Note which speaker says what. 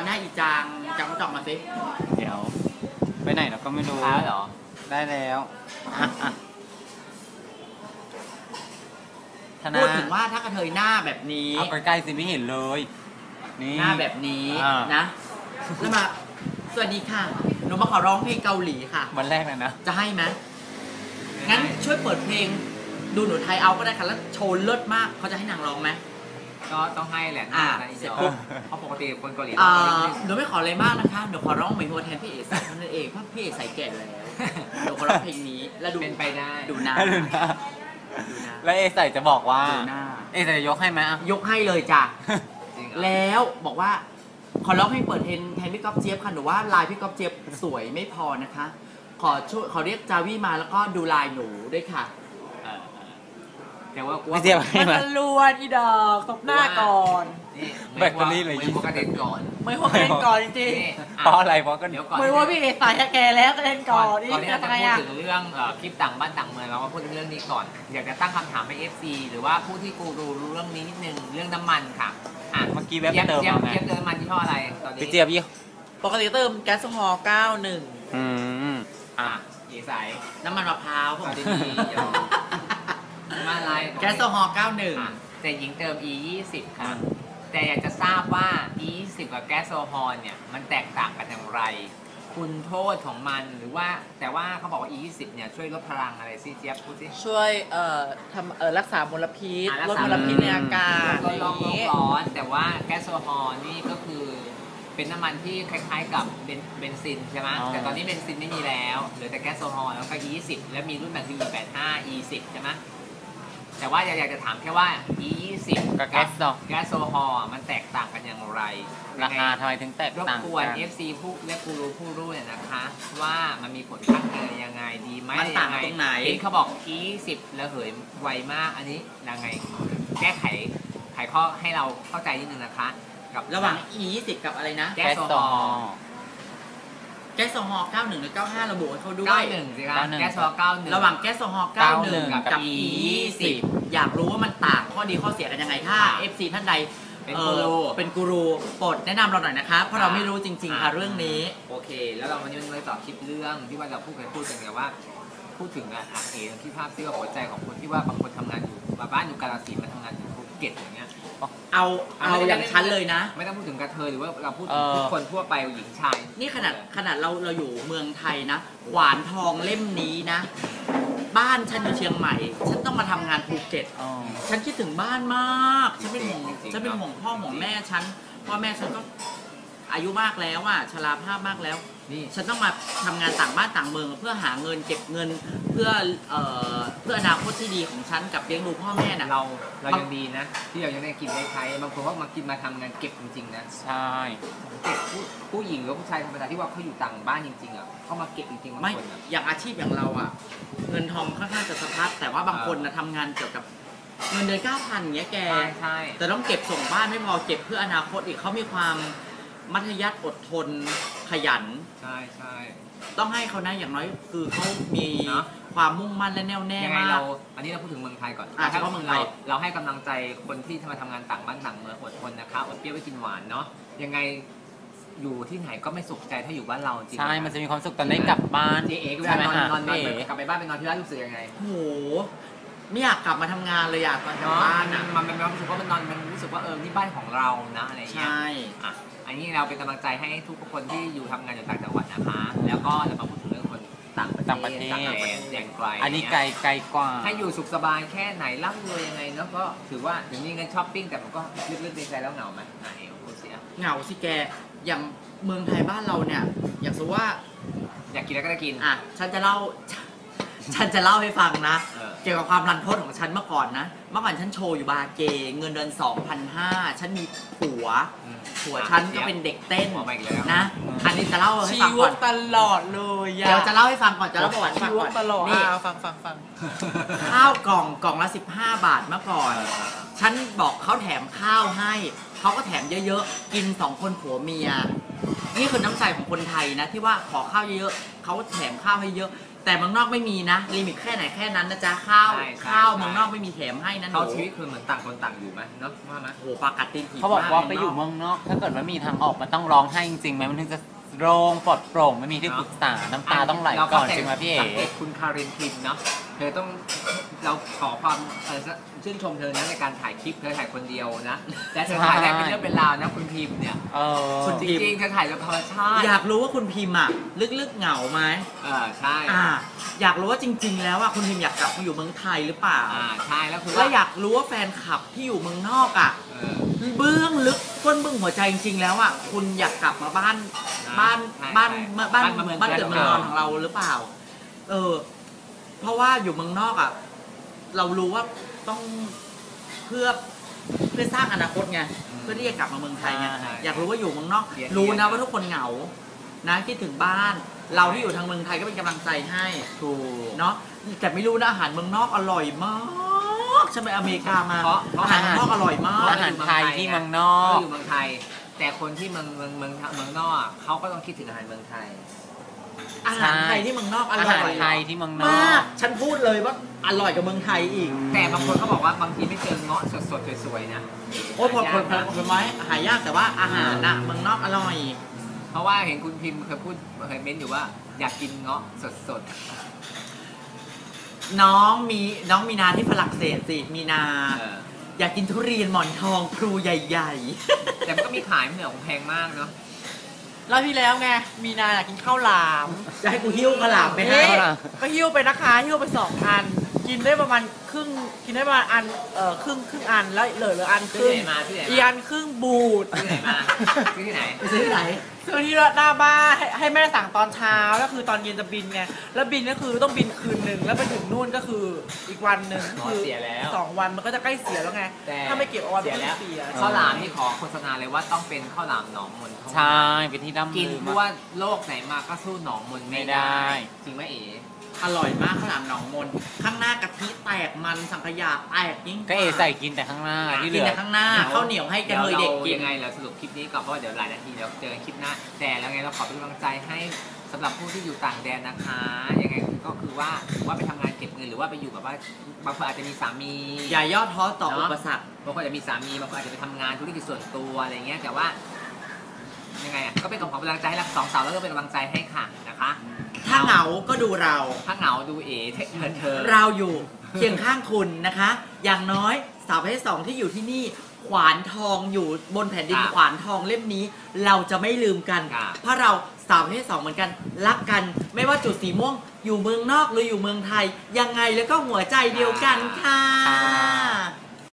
Speaker 1: หน้าอีจางมาจอกมาสิ
Speaker 2: เดี๋ยวไปไหนเราก็ไม่รู้
Speaker 1: ได้เหรอ
Speaker 2: ได้แล้ว
Speaker 1: พูดถึงว่าถ้ากระเทยหน้าแบบนี้
Speaker 2: เอาใกล้ๆสิไม่เห็นเลย
Speaker 1: นี่หน้าแบบนี้นะแล้วมาสวัสดีค่ะหนูมาขอร้องเพลงเกาหลีค่ะ
Speaker 2: วันแรกเลยนะ
Speaker 1: จะให้ไหมงั้นช่วยเปิดเพลงดูหนูไทยเอาก็ได้ค่ะแล้วโชว์เลิศมากเขาจะให้นางร้องไหม
Speaker 3: ก็ต้องให้แหละเสร็จปุ๊บเพราะปกติคนเกาหลี
Speaker 1: หนูไม่ขออะไรมากนะคะหนูขอร้องเหมือนหัวแทนพี่เอ๋ใส่เท่านั้นเองเพราะพี่เอ๋ใส่แก่แล้วหนูขอร้องเพลงนี้แล้วดู
Speaker 3: เป็นไปได้
Speaker 1: ดูหน้า
Speaker 2: แล้วเอใส่จะบอกว่าเอใส่จะยกให้ไหม
Speaker 1: ยกให้เลยจ้ะแล้วบอกว่าขอร้องเพลงเปิดแทนพี่ก๊อฟเจี๊ยบค่ะหนูว่าลายพี่ก๊อฟเจี๊ยบสวยไม่พอนะคะขอเรียกจาวี่มาแล้วก็ดูลายหนูด้วยค่ะ
Speaker 3: แต่ว่า
Speaker 2: พี่เจี๊ยบให้
Speaker 1: มาลวนอีดอกตบหน้าก่อน
Speaker 2: แบตเตอรี่เลย
Speaker 3: ยิงกระเด็นก่อน
Speaker 1: ไม่พวกกระเด็นก่อนจริง
Speaker 2: ๆเพราะอะไรเพราะก็
Speaker 1: เดี๋ยวก่อนไม่ว่าพี่เอใส่แกแล้วกระเด็นก่อน
Speaker 3: นี่จะพูดถึงเรื่องคลิปต่างบ้านต่างเมืองเรามาพูดเรื่องนี้ก่อนอยากจะตั้งคำถามให้ FC หรือว่าผู้ที่กูรู้เรื่องนี้นิดนึงเรื่องน้ำมันค่ะ
Speaker 2: เมื่อกี้แวบเติมมาไง
Speaker 3: เติมน้ำมันที่ห้ออะไรตอนนี้
Speaker 2: พี่เจี๊ยบยี่
Speaker 1: ปกติเติมแก๊สโซฮอล์91
Speaker 3: กี่สาย
Speaker 1: น้ำมันมะพร้าวผมดี
Speaker 3: มาอะไร
Speaker 1: แก๊สโซฮอล์91
Speaker 3: แต่หญิงเติม E20 ค่ะแต่อยากจะทราบว่า E20 กับแก๊สโซฮอล์เนี่ยมันแตกต่างกันอย่างไรคุณโทษของมันหรือว่าแต่ว่าเขาบอกว่า E20 เนี่ยช่วยลดพลังอะไรสิเจี๊ยบพูดสิ
Speaker 1: ช่วยทำรักษามลพิษลดมลพิษในอากาศ
Speaker 3: ลดโลกร้อนแต่ว่าแก๊สโซฮอล์นี่ก็คือเป็นน้ำมันที่คล้ายๆกับเบนซินใช่ไหมแต่ตอนนี้เบนซินไม่มีแล้วเหลือแต่แก๊สโซฮอล์แล้วก็ E20 แล้วมีรุ่นแบบคือ E85 E10 ใช่ไหมแต่ว่าอยากจะถามแค่ว่า E20
Speaker 2: กับแก๊
Speaker 3: สโซฮอล์มันแตกต่างกันอย่างไร
Speaker 2: ราคาทำไมถึงแตกต่าง
Speaker 3: รบกวน FC ผู้และผู้รู้เนี่ยนะคะว่ามันมีผลข้างเคียงยังไงดีไหม
Speaker 1: มันต่างตรงไหน
Speaker 3: เขาบอก E10 ระเหยไวมากอันนี้ยังไงแก้ไขข้อให้เราเข้าใจนิดนึงนะคะ
Speaker 1: กับระหว่าง E20 กับอะไรนะ
Speaker 3: แก๊สโซฮอล์
Speaker 1: แก๊สโซฮอล์91หรือ95ระบุให้เขาด้วย
Speaker 3: 91สิครับแก๊สโซฮอล์91
Speaker 1: ระหว่างแก๊สโซฮอล์91กับ E20 อยากรู้ว่ามันต่างข้อดีข้อเสียกันยังไงถ้า FC ท่านใดเป็นกูรูโปรดแนะนำเราหน่อยนะคะเพราะเราไม่รู้จริงๆค่ะเรื่องนี้
Speaker 3: โอเคแล้วเราวันนี้เลยต่อคลิปเรื่องที่ว่าเราพูดกันไงว่าพูดถึงที่ภาพที่ว่าหัวใจของคนที่ว่าบางคนทำงานอยู่บ้านอยู่กาฬสินธุ์มาทำงานอยู่ภูเก็ตอย่างเงี้ย
Speaker 1: เอาอย่างชั้นเลยนะ
Speaker 3: ไม่ต้องพูดถึงกระเทยหรือว่าเราพูดถึงทุกคนทั่วไปหญิงชาย
Speaker 1: นี่ขนาดเราอยู่เมืองไทยนะขวานทองเล่มนี้นะบ้านฉันอยู่เชียงใหม่ฉันต้องมาทำงานภูเก็ตฉันคิดถึงบ้านมากฉันเป็นห่วงพ่อห่วงแม่ฉันพ่อแม่ฉันก็อายุมากแล้วอ่ะชราภาพมากแล้วนี่ฉันต้องมาทำงานต่างบ้านต่างเมืองเพื่อหาเงินเก็บเงินเพื่ออนาคตที่ดีของฉันกับเลี้ยงดูพ่อแม่น่ะ
Speaker 3: เรายังดีนะที่เรายังได้กินได้ใช้บางคนก็มากินมาทำงานเก็บจริงๆนะ
Speaker 2: ใช่
Speaker 3: เก็บผู้หญิงหรือผู้ชายธรรมดาที่ว่าเขาอยู่ต่างบ้านจริงๆอ่ะเขามาเก็บจริงๆ
Speaker 1: ไม่อย่างอาชีพอย่างเราอ่ะเงินทองค่อนข้างจะสะพัดแต่ว่าบางคนนะทำงานเกี่ยวกับเงินเดือน 9,000 อย่างเงี้ยแก
Speaker 3: ใช่
Speaker 1: แต่ต้องเก็บส่งบ้านไม่พอเก็บเพื่ออนาคตอีกเขามีความมัธยัสถ์อดทนขยัน
Speaker 3: ใช่
Speaker 1: ต้องให้เขานะอย่างน้อยคือเขามีความมุ่งมั่นและแน่วแน่มาก
Speaker 3: อันนี้เราพูดถึงเมืองไทยก่อน
Speaker 1: เฉพาะเมืองไทย
Speaker 3: เราให้กำลังใจคนที่มาทำงานต่างบ้านต่างเมืองอดทนนะคะอดเปรี้ยวไว้กินหวานเนาะยังไงอยู่ที่ไหนก็ไม่สุขใจถ้าอยู่บ้านเราจริง
Speaker 2: ใช่มันจะมีความสุขตอนได้กลับบ้าน
Speaker 3: เอ๋เวลานอนกลับไปบ้านไปนอนที่บ้านรู้สึกยังไง
Speaker 1: โอ้โหไม่อยากกลับมาทำงานเลยอยากกลับบ้าน
Speaker 3: มันเป็นความรู้สึกว่ามันนอนมันรู้สึกว่านี่บ้านของเรานะอะไรอย่างเงี้ย
Speaker 1: ใช่
Speaker 3: อันนี้เราเป็นกำลังใจให้ทุกคนที่อยู่ทำงานอยู่ต่างจังหวัดนะคะแล้วก็เรามาพูดถึงเรื่องคนต่างประเทศอย่างไกล
Speaker 2: อันนี้ไกลกว่า
Speaker 3: ให้อยู่สุขสบายแค่ไหนร่ำรวยยังไงเนาะก็ถือว่าถึงมีเงินช้อปปิ้งแต่มันก็ลึกๆในใจแล้วเหงาไหม
Speaker 1: เหงาสิแกอย่างเมืองไทยบ้านเราเนี่ยอยากรู้ว่า
Speaker 3: อยากกินแล้วก็ได้กิน
Speaker 1: ฉันจะเล่าให้ฟังนะเกี่ยวกับความรันทดของฉันเมื่อก่อนนะเมื่อก่อนฉันโชว์อยู่บาร์เกเงินเดือน 2,500 ฉันมีผัวฉันก็เป็นเด็กเต้นนะอันนี้จะเล่าให้ฟังก่อน
Speaker 2: ตลอดเลย
Speaker 1: เดี๋ยวจะเล่าให้ฟังก่อนจะเล่าประวัติฟังก่อน
Speaker 2: ตลอด
Speaker 1: นี่
Speaker 2: ฟัง
Speaker 1: ข้าวกล่องละ15 บาทเมื่อก่อนฉันบอกเขาแถมข้าวให้เขาก็แถมเยอะๆกิน2 คนผัวเมียนี่คือน้ำใจของคนไทยนะที่ว่าขอข้าวเยอะๆเขาแถมข้าวให้เยอะแต่เมืองนอกไม่มีนะลิมิตแค่ไหนแค่นั้นนะจ๊ะข้าว
Speaker 3: ใช่
Speaker 1: ข้าว
Speaker 3: ใช่
Speaker 1: เมืองนอกไม่มีแถมให้นะหนู
Speaker 3: เขาชีวิตคือเหมือนต่างคนต่างอยู่ไหมเนาะว่าไหม
Speaker 1: โอ้โหปลากัดตีนผี
Speaker 2: เขาบอกว่า
Speaker 1: ม
Speaker 2: ไปอยู่เมืองนอก ถ้าเกิดว่ามีทางออกมันต้องร้องไห้จริงๆไหมมันถึงจะโล่งปลอดโปร่งไม่มีที่ปรึกษาน้ำตาต้องไหลก่อนจริงไหมพี่เอ๋
Speaker 3: สังเกตคุณคารินพิมเนาะเธอต้องเราขอความชื่นชมเธอนะในการถ่ายคลิปเธอถ่ายคนเดียวนะแต่เธอถ่ายได้เป็นเรื่องเป็นราวนะคุณพิมเนี่ย
Speaker 1: คุณ
Speaker 3: จ
Speaker 1: พิม
Speaker 3: ริงๆเธอถ่ายแบบธรรมชาติ
Speaker 1: อยากรู้ว่าคุณพิมพ์อะลึกๆเหงาไหม
Speaker 3: ใช่
Speaker 1: อยากรู้ว่าจริง ๆ แล้วอะคุณพิมพ์อยากกลับมาอยู่เมืองไทยหรือเปล่า
Speaker 3: ใช่แล้วคือ
Speaker 1: แล้วอยากรู้ว่าแฟนคลับที่อยู่เมืองนอกอะเบื้องลึกก้นเบื้องหัวใจจริง ๆ แล้วอะคุณอยากกลับมาบ้านเกิดเมืองนอนของเราหรือเปล่า เพราะว่าอยู่เมืองนอกอะเรารู้ว่าต้องเพื่อสร้างอนาคตไงเพื่อที่จะกลับมาเมืองไทยไงอยากรู้ว่าอยู่เมืองนอก รู้นะว่าทุกคนเหงานะคิดถึงบ้าน เราที่อยู่ทางเมืองไทยก็เป็นกำลังใจให้ถูกเนาะแต่ไม่รู้นะอาหารเมืองนอกอร่อยมากฉันไปอเมริกามาอาหารเมืองนอกอร่อยมาก
Speaker 2: อาหารไทยที่เมืองนอก
Speaker 3: อยู่เมืองไทย แต่คนที่เมืองนอกเขาก็ต้องคิดถึงอาหารเมืองไทย
Speaker 1: อาหารไทยที่เมืองนอกอ
Speaker 2: อา
Speaker 1: ร่
Speaker 2: หาร
Speaker 1: อย
Speaker 2: ไทยที่เมืองนอ
Speaker 1: มาก กฉันพูดเลยว่าอร่อยกว่าเมืองไทยอีก
Speaker 3: แต่บางคนเขาบอกว่าบางทีไม่เจอเงาะสดๆสวยๆนะ
Speaker 1: โอ้ยผลไม้หายากแต่ว่าอาหารน่ะเมืองนอกอร่อย
Speaker 3: เพราะว่าเห็นคุณพิมพ์เคยเม้นอยู่ว่าอยากกินเงาะสด
Speaker 1: น้องมีนาที่ฝรั่งเศสสิมีนา
Speaker 3: ๆ
Speaker 1: อยากกินทุเรียนหมอนทองพลูใหญ่
Speaker 3: แต่มันก็มีขายไม่เหนือของแพงมากเนาะ
Speaker 4: รอบที่แล้วไงมีนาอยากกินข้าวหลาม
Speaker 1: ๆจะให้กูหิ้วกระหล่ำไปให้
Speaker 4: นี่ก็หิ้วไปนะคะหิ้วไป2 อัน กินได้ประมาณครึ่งกินได้ประมาณอันครึ่งอันแล้วเหลืออันค
Speaker 3: ซื้อ
Speaker 4: รึ่ง
Speaker 3: ที่ไหนมาที่ไหน
Speaker 4: อีอันครึ่งบูด
Speaker 3: ที่ไหนมาซื้อที่ไหน
Speaker 1: ไปซื้อที่ไหน
Speaker 4: ซื้อที่หน้าบ้านให้แม่สั่งตอนเช้าแล้วคือตอนเย็นจะบินไงแล้วบินก็คือต้องบินคืนหนึ่งแล้วไปถึงนู่นก็คืออีกวันหนึ่งคือ
Speaker 3: เสียแล้ว
Speaker 4: 2 วันมันก็จะใกล้เสียแล้วไง
Speaker 3: แต่
Speaker 4: ถ้าไม่เก็บเอาไว้
Speaker 3: เสีย
Speaker 4: มัน
Speaker 3: แล้
Speaker 4: ก็
Speaker 3: ว
Speaker 4: เสีย
Speaker 3: ข้าวหลามนี่ขอโฆษณาเลยว่าต้องเป็นข้าวหลามหนองมนเท่านั้น
Speaker 2: ใช่เป็นที่ร่ำ
Speaker 3: กิน
Speaker 2: ลือ
Speaker 3: เพราะว่าโลกไหนมาก็สู้หนองมนไม่ได้ จริงไหมเอ๋
Speaker 1: อร่อยมากข้าวหลามหนองมนข้างหน้ากะทิแตกมันสังขยาแตกยิ่ง
Speaker 2: ก็เอใส่กินแต่ข้างหน้าที่เห
Speaker 1: กิ
Speaker 2: ลื
Speaker 1: น
Speaker 2: อ
Speaker 1: แต่ข้างหน้าข้าวเหนียวให้กันเลยเด็กกิน
Speaker 3: ยังไงเราสรุปคลิปนี้ก่อนเพราะว่าเดี๋ยวหลายนาทีเราเจอคลิปหน้าแต่แล้วไงเราขอเป็นกำลังใจให้สำหรับผู้ที่อยู่ต่างแดนนะคะยังไงก็คือว่าไปทำงานเก็บเงินหรือว่าไปอยู่แบบว่าบางคนอาจจะมีสามี
Speaker 1: อย่าย่อท้อต่ออุปสรรค
Speaker 3: บางคนอาจจะมีสามีบางคนอาจจะไปทำงานธุรกิจส่วนตัวอะไรเงี้ยแต่ว่ายังไงอ่ะก็เป็นกำลังใจให้เรา2 สาวแล้วก็เป็นกำลังใจให้ค่ะนะคะ
Speaker 1: ถ้าเหงาก็ดูเรา
Speaker 3: ถ้าเหงาดูเอ๋เธอ
Speaker 1: เราอยู่เคียงข้างคุณนะคะ อย่างน้อยสาวประเภท2ที่อยู่ที่นี่ขวานทองอยู่บนแผ่นดินขวานทองเล่มนี้ เราจะไม่ลืมกัน เพราะเราสาวประเภท2เหมือนกันรักกัน ไม่ว่าจุดสีม่วงอยู่เมืองนอกหรืออยู่เมืองไทยยังไงแล้วก็หัวใจเดียวกันค่ะ